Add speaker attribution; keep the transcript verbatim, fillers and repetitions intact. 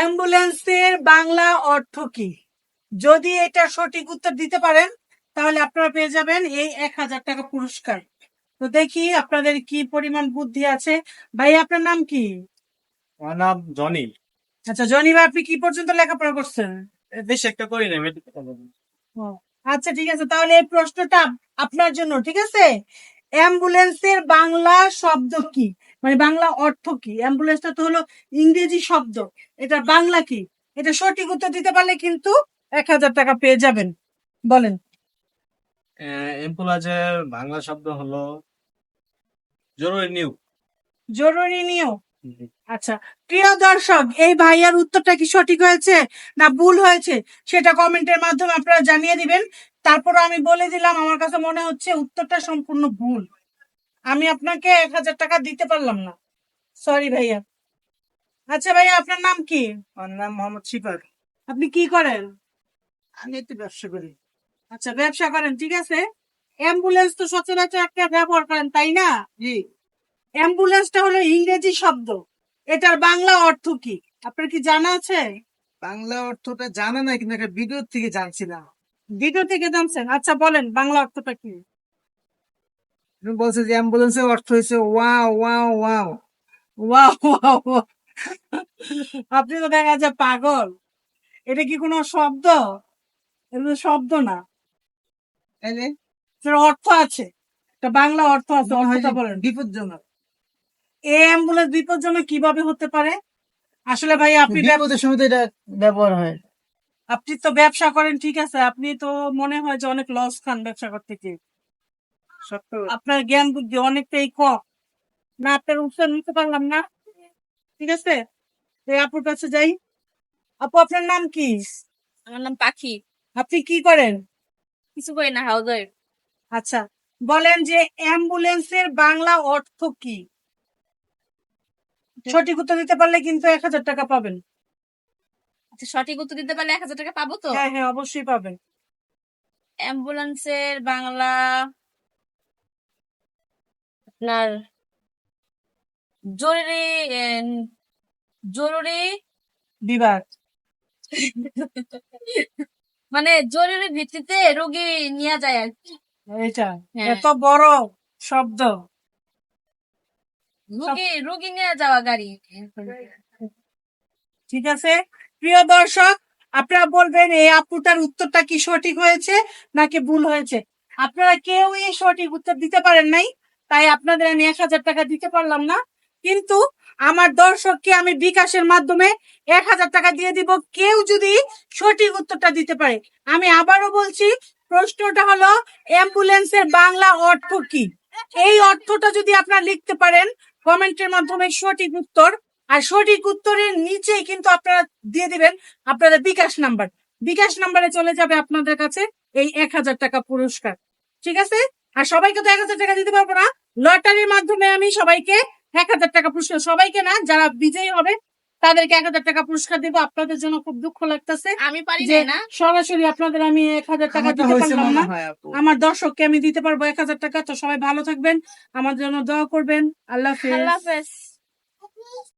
Speaker 1: অ্যাম্বুলেন্সের বাংলা অর্থ কি? যদি এটা সঠিক উত্তর দিতে পারেন তাহলে আপনারা পেয়ে যাবেন এই এক হাজার টাকা পুরস্কার। তো দেখি আপনাদের কি পরিমাণ বুদ্ধি আছে। ভাই আপনার নাম কি?
Speaker 2: আমার নাম জনি।
Speaker 1: আচ্ছা জনি ভাই, আপনি কি পর্যন্ত লেখাপড়া করছেন?
Speaker 2: বেশ একটা করি না
Speaker 1: ও, আচ্ছা ঠিক আছে, তাহলে এই প্রশ্নটা আপনার জন্য, ঠিক আছে। অ্যাম্বুলেন্সের বাংলা শব্দ কি, মানে বাংলা অর্থ কি? অ্যাম্বুলেন্সটা তো হলো ইংরেজি শব্দ, এটা বাংলা কি? এটা সঠিক উত্তর দিতে পারলে কিন্তু এক হাজার টাকা পেয়ে যাবেন। বলেন।
Speaker 2: অ্যাম্বুলেন্সের বাংলা শব্দ হলো জরুরি নিয়োগ।
Speaker 1: জরুরি নিয়োগ। আচ্ছা প্রিয় দর্শক, এই ভাইয়ার উত্তরটা কি সঠিক হয়েছে না ভুল হয়েছে সেটা কমেন্টের মাধ্যমে আপনারা জানিয়ে দিবেন। তারপর আমি বলে দিলাম, আমার কাছে মনে হচ্ছে উত্তরটা সম্পূর্ণ ভুল, আমি আপনাকে এক হাজার টাকা দিতে পারলাম না, সরি ভাইয়া। আচ্ছা ভাইয়া আপনার নাম কি?
Speaker 2: আমার নাম মোহাম্মদ শিফার।
Speaker 1: আপনি কি করেন?
Speaker 2: আমি একটু ব্যবসা করি।
Speaker 1: আচ্ছা ব্যবসা করেন, ঠিক আছে। অ্যাম্বুলেন্স তো সচরাচর একটা ব্যবহার করেন, তাই না?
Speaker 2: জি।
Speaker 1: অ্যাম্বুলেন্সটা হলো ইংরেজি শব্দ, এটার বাংলা অর্থ কি আপনার কি জানা আছে?
Speaker 2: বাংলা অর্থটা জানা নাই, কিন্তু একটা ভিডিও থেকে জানছিলাম।
Speaker 1: ভিডিও থেকে জানছেন? আচ্ছা বলেন বাংলা অর্থটা কি?
Speaker 2: তুমি বলছো যে অ্যাম্বুলেন্সের অর্থ হয়েছে wow wow wow.
Speaker 1: Wow wow wow. আপনি তো দেখা যায় পাগল, এটা কি কোনো শব্দ? এটা তো শব্দ না,
Speaker 2: তাইলে
Speaker 1: এটার অর্থ আছে, একটা বাংলা অর্থ আছে,
Speaker 2: মনে হয়
Speaker 1: অর্থটা
Speaker 2: যে
Speaker 1: বলেন।
Speaker 2: বিপজ্জনক।
Speaker 1: এই অ্যাম্বুলেন্স বিপজ্জনক কিভাবে হতে পারে? আসলে ভাই আপনি ব্যব-
Speaker 2: বিপদের সময় তো এটা ব্যবহার হয়।
Speaker 1: আপনি তো ব্যবসা করেন, ঠিক আছে, আপনি তো মনে হয় যে অনেক লস খান ব্যবসা করতে গিয়ে।
Speaker 2: সত্য।
Speaker 1: আপনার জ্ঞান বুদ্ধি অনেকটাই কম, না আপনার উত্তর নিতে পারলাম না, ঠিক আছে। এই আপুর কাছে যাই। আপু আপনার নাম কি?
Speaker 3: আমার নাম পাখি।
Speaker 1: আপনি কি করেন?
Speaker 3: কিছু করি না, হাউস ওয়াইফ।
Speaker 1: আচ্ছা বলেন যে অ্যাম্বুলেন্সের বাংলা অর্থ কি? সঠিক উত্তর দিতে পারলে কিন্তু এক হাজার টাকা পাবেন।
Speaker 3: আচ্ছা সঠিক উত্তর দিতে পারলে এক হাজার টাকা পাবো তো?
Speaker 1: হ্যাঁ হ্যাঁ অবশ্যই পাবেন।
Speaker 3: অ্যাম্বুলেন্সের বাংলা আপনার জরুরি এন, জরুরি
Speaker 1: বিভাগ।
Speaker 3: মানে জরুরি ভিত্তিতে রোগী নিয়ে যায় আর কি।
Speaker 1: এটা
Speaker 3: হ্যাঁ।
Speaker 1: এত বড় শব্দ।
Speaker 3: রোগী রোগী নিয়ে যাওয়া গাড়ি।
Speaker 1: ঠিক আছে প্রিয় দর্শক, আপনারা বলবেন এই আপুটার উত্তরটা কি সঠিক হয়েছে নাকি ভুল হয়েছে। আপনারা কেউই সঠিক উত্তর দিতে পারেন নাই, তাই আপনাদের আমি এক হাজার টাকা দিতে পারলাম না। কিন্তু আমার দর্শককে আমি বিকাশের মাধ্যমে এক হাজার টাকা দিয়ে দিব কেউ যদি সঠিক উত্তরটা দিতে পারে। আমি আবারও বলছি, প্রশ্নটা হলো অ্যাম্বুলেন্সের বাংলা অর্থ কি? এই অর্থটা যদি আপনারা লিখতে পারেন কমেন্টের মাধ্যমে সঠিক উত্তর, আর সঠিক উত্তরের নিচেই কিন্তু আপনারা দিয়ে দিবেন আপনাদের বিকাশ নাম্বার, বিকাশ নাম্বারে চলে যাবে আপনাদের কাছে এই এক হাজার টাকা পুরস্কার, ঠিক আছে। আর সবাইকে তো এক হাজার টাকা দিতে পারবো না, লটারির মাধ্যমে আমি সবাইকে এক হাজার টাকা পুরস্কার, সবাইকে না, যারা বিজয়ী হবে তাদেরকে এক হাজার টাকা পুরস্কার দিব। আপনাদের জন্য খুব দুঃখ লাগতেছে
Speaker 3: আমি পারি
Speaker 1: যে
Speaker 3: না।
Speaker 1: সরাসরি আপনাদের আমি এক হাজার টাকা
Speaker 2: আমারটা
Speaker 1: দিতে
Speaker 2: হয়েছে
Speaker 1: পারলাম
Speaker 2: মনে
Speaker 1: না,
Speaker 2: হয় আপু।
Speaker 1: আমার দর্শককে আমি দিতে পারবো এক হাজার টাকা। তো সবাই ভালো থাকবেন, আমার জন্য দোয়া করবেন। আল্লাহ হাফেজ।
Speaker 3: আল্লাহ হাফেজ।